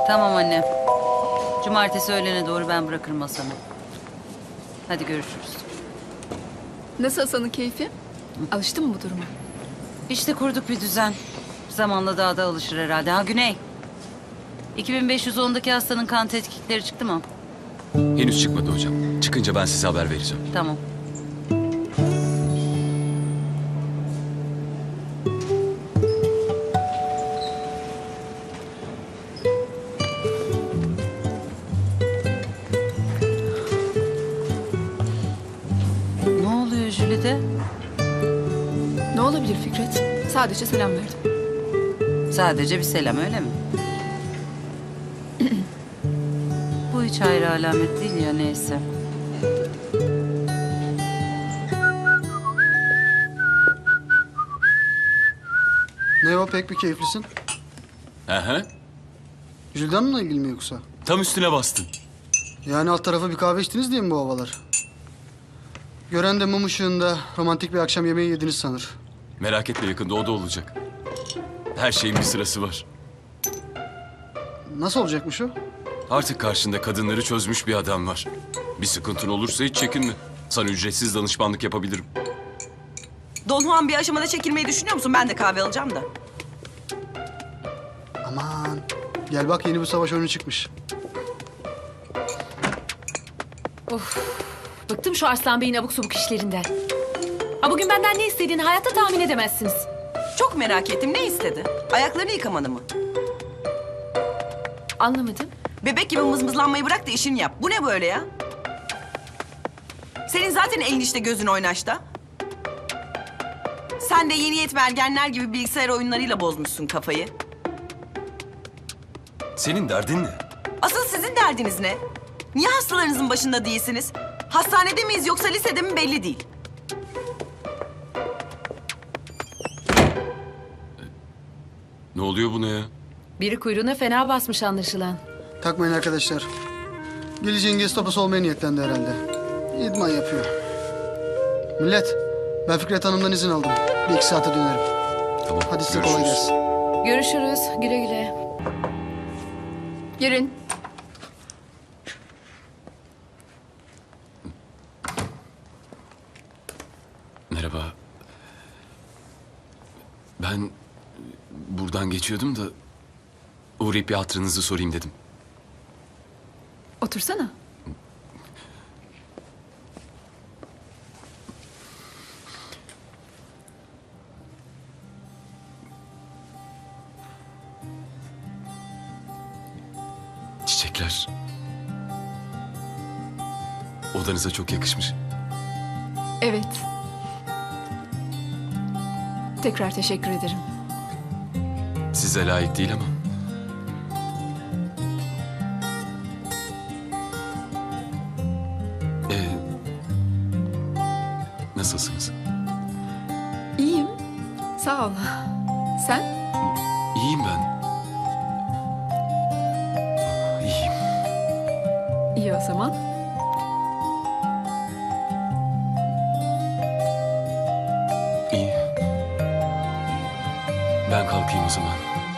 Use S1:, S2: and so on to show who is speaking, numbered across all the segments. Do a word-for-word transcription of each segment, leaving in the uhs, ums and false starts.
S1: Tamam anne. Cumartesi öğlene doğru ben bırakırım Hasan'ı. Hadi görüşürüz.
S2: Nasıl Hasan'ın keyfi? Alıştın mı bu duruma?
S1: İşte kurduk bir düzen. Zamanla daha da alışır herhalde. Ha Güney. iki bin beş yüz ondaki hastanın kan tetkikleri çıktı mı?
S3: Henüz çıkmadı hocam. Çıkınca ben size haber vereceğim.
S1: Tamam. Ne oluyor Jülide?
S2: Ne olabilir Fikret? Sadece selam verdim.
S1: Sadece bir selam öyle mi? Bu hiç hayra alamet değil ya, neyse.
S4: Ne o, pek bir keyiflisin.
S3: Hı hı.
S4: Jülden'le ilgili mi yoksa?
S3: Tam üstüne bastın.
S4: Yani alt tarafa bir kahve içtiniz diye mi bu havalar? Gören de mum ışığında romantik bir akşam yemeği yediniz sanır.
S3: Merak etme, yakında o da olacak. Her şeyin bir sırası var.
S4: Nasıl olacakmış o?
S3: Artık karşında kadınları çözmüş bir adam var. Bir sıkıntın olursa hiç çekinme. Sana ücretsiz danışmanlık yapabilirim.
S5: Don Juan bir aşamada çekilmeyi düşünüyor musun? Ben de kahve alacağım da.
S4: Aman. Gel bak, yeni bir savaş oyunu çıkmış.
S6: Bıktım şu Arslan Bey'in abuk subuk işlerinden. Ha bugün benden ne istediğini hayatta tahmin edemezsiniz.
S5: Çok merak ettim. Ne istedi? Ayaklarını yıkamanı mı?
S6: Anlamadım.
S5: Bebek gibi mızmızlanmayı bırak da işini yap. Bu ne böyle ya? Senin zaten elin işte, gözün oynaşta. Sen de yeni yetme ergenler gibi bilgisayar oyunlarıyla bozmuşsun kafayı.
S3: Senin derdin ne?
S5: Asıl sizin derdiniz ne? Niye hastalarınızın başında değilsiniz? Hastanede miyiz yoksa lisede mi belli değil.
S3: Ne oluyor buna ya?
S6: Biri kuyruğuna fena basmış anlaşılan.
S4: Takmayın arkadaşlar. Geleceğin Gestapo'su olmaya niyetlendi herhalde. İdman yapıyor. Millet, ben Fikret Hanım'dan izin aldım. Bir iki saate dönerim.
S3: Tamam.
S4: Hadi size kolay
S3: görüşürüz.
S4: gelsin.
S6: Görüşürüz. Güle güle.
S2: Girin.
S3: Merhaba. Ben buradan geçiyordum da uğrayıp bir hatırınızı sorayım dedim.
S2: Otursana.
S3: Çiçekler odanıza çok yakışmış.
S2: Evet. Tekrar teşekkür ederim.
S3: Size layık değil ama. Ee, nasılsınız?
S2: İyiyim. Sağ ol. Sen?
S3: İyiyim ben. İyiyim.
S2: İyi o zaman.
S3: İyi. Ben kalkayım o zaman.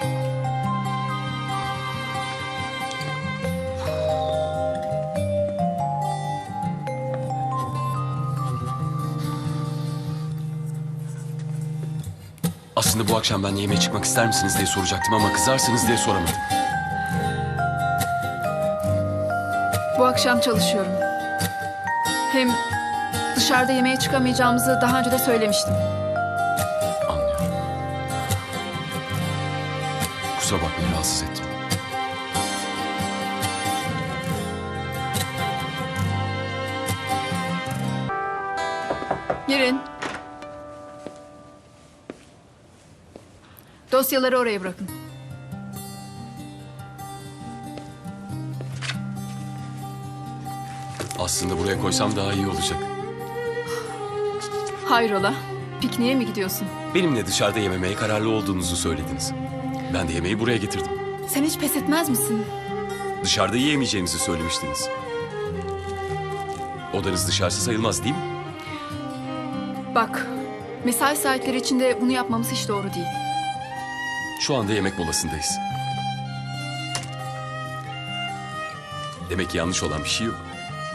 S3: Aslında bu akşam ben yemeğe çıkmak ister misiniz diye soracaktım ama kızarsınız diye soramadım.
S2: Bu akşam çalışıyorum. Hem dışarıda yemeğe çıkamayacağımızı daha önce de söylemiştim.
S3: Anlıyorum. Kusura bakmayın, rahatsız ettim.
S2: Girin. Dosyaları oraya bırakın.
S3: Aslında buraya koysam daha iyi olacak.
S2: Hayrola? Pikniğe mi gidiyorsun?
S3: Benimle dışarıda yememeye kararlı olduğunuzu söylediniz. Ben de yemeği buraya getirdim.
S2: Sen hiç pes etmez misin?
S3: Dışarıda yiyemeyeceğimizi söylemiştiniz. Odanız dışarısı sayılmaz değil mi?
S2: Bak, mesai saatleri içinde bunu yapmamız hiç doğru değil.
S3: Şu anda yemek molasındayız. Demek ki yanlış olan bir şey yok.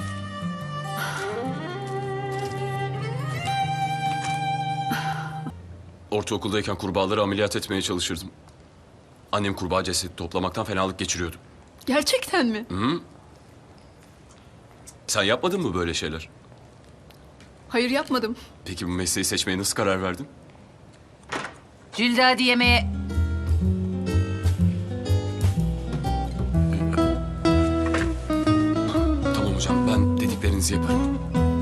S3: Ortaokuldayken kurbağaları ameliyat etmeye çalışırdım. Annem kurbağa cesedi toplamaktan fenalık geçiriyordu.
S2: Gerçekten mi?
S3: Sen yapmadın mı böyle şeyler?
S2: Hayır, yapmadım.
S3: Peki bu mesleği seçmeye nasıl karar verdin?
S1: Jülide hadi yemeğe.
S3: Tamam hocam, ben dediklerinizi yaparım.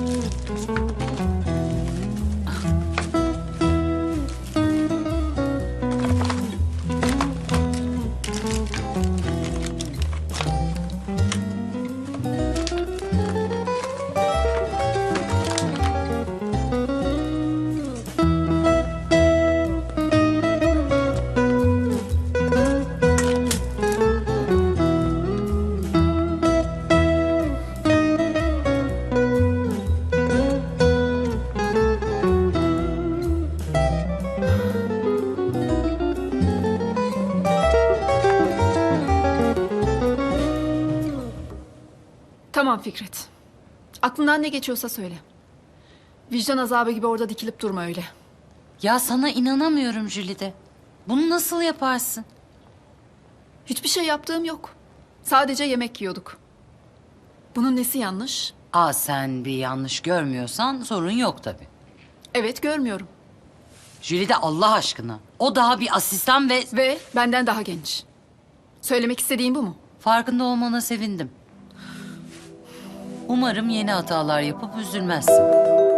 S2: Tamam Fikret. Aklından ne geçiyorsa söyle. Vicdan azabı gibi orada dikilip durma öyle.
S1: Ya sana inanamıyorum Jülide. Bunu nasıl yaparsın?
S2: Hiçbir şey yaptığım yok. Sadece yemek yiyorduk. Bunun nesi yanlış?
S1: Aa sen bir yanlış görmüyorsan sorun yok tabii.
S2: Evet, görmüyorum.
S1: Jülide Allah aşkına. O daha bir asistan ve
S2: Ve benden daha genç. Söylemek istediğin bu mu?
S1: farkında olmana sevindim. Umarım yeni hatalar yapıp üzülmezsin.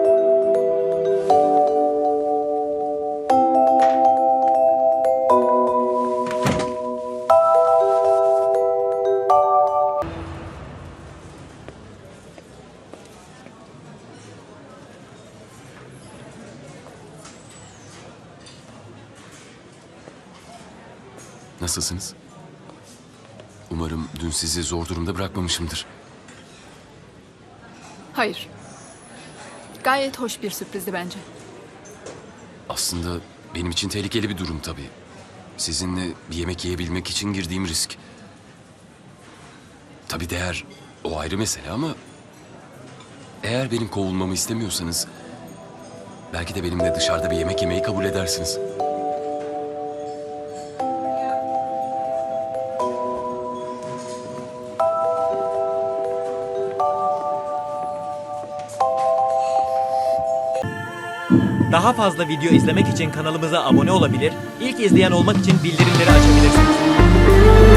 S3: Nasılsınız? Umarım dün sizi zor durumda bırakmamışımdır.
S2: Hayır. Gayet hoş bir sürprizdi bence.
S3: Aslında benim için tehlikeli bir durum tabii. Sizinle bir yemek yiyebilmek için girdiğim risk. Tabii değer o ayrı mesele ama... Eğer benim kovulmamı istemiyorsanız... Belki de benimle dışarıda bir yemek yemeyi kabul edersiniz.
S7: Daha fazla video izlemek için kanalımıza abone olabilir, ilk izleyen olmak için bildirimleri açabilirsiniz.